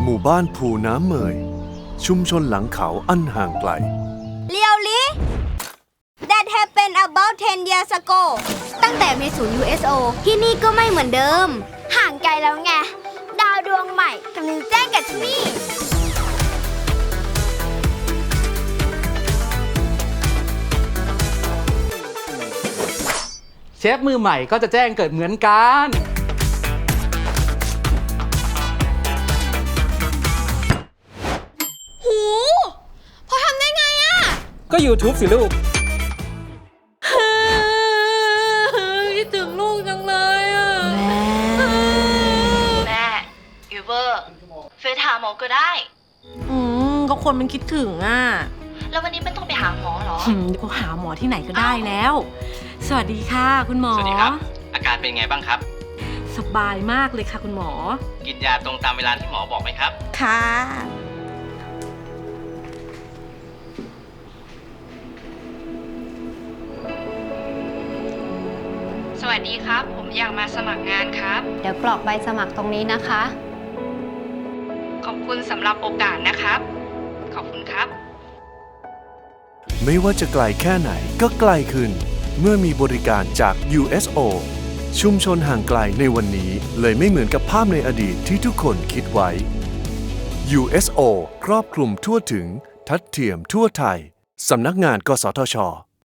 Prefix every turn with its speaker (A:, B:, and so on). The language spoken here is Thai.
A: มู่บ้านภูน้ำเมยชุมชนหลังเขาอันห่างไกล
B: Really? That happened about 10 years ago ตั้งแต่มีศูนย์ USO ที่นี่ก็ไม่เหมือนเดิม ห่างไกลแล้วไง ดาวดวงใหม่กำลังแจ้งกับที่นี่
C: เชฟมือใหม่ก็จะแจ้งเกิดเหมือนกัน
B: หูพอทำได้ไงอะ
C: ก็ YouTube สิลูก
B: คิดถึงลูกจังเลยอะ
D: แม่ยูเบอร์เฟซหาหมอก็ได้
E: ก็คนมันคิดถึงอ่ะ
D: แล้ววันนี้ไม่ต้องไปหาหมอเหรอ
E: เดี๋ยวก็หาหมอที่ไหนก็ได้แล้ว สวัสดีค่ะคุณหมอ
F: สวัสดีครับ อาการเป็นไงบ้างครับ
E: สบายมากเลยค่ะคุณหมอ
F: กินยาตรงตามเวลาที่หมอบอกไหมครับ
E: ค่ะ
G: สวัสดีครับ ผมอยากมาสมัครงานครับ
B: เดี๋ยวกรอกใบสมัครตรงนี้นะคะ
G: ขอบคุณสำหรับโอกาสนะครับ ขอบคุณครับ
A: ไม่ว่าจะไกลแค่ไหนก็ไกลขึ้น เมื่อมีบริการจาก USO ชุมชนห่างไกลในวันนี้เลยไม่เหมือนกับภาพในอดีตที่ทุกคนคิดไว้ USO ครอบคลุมทั่วถึงทัดเทียมทั่วไทย สำนักงานกสทช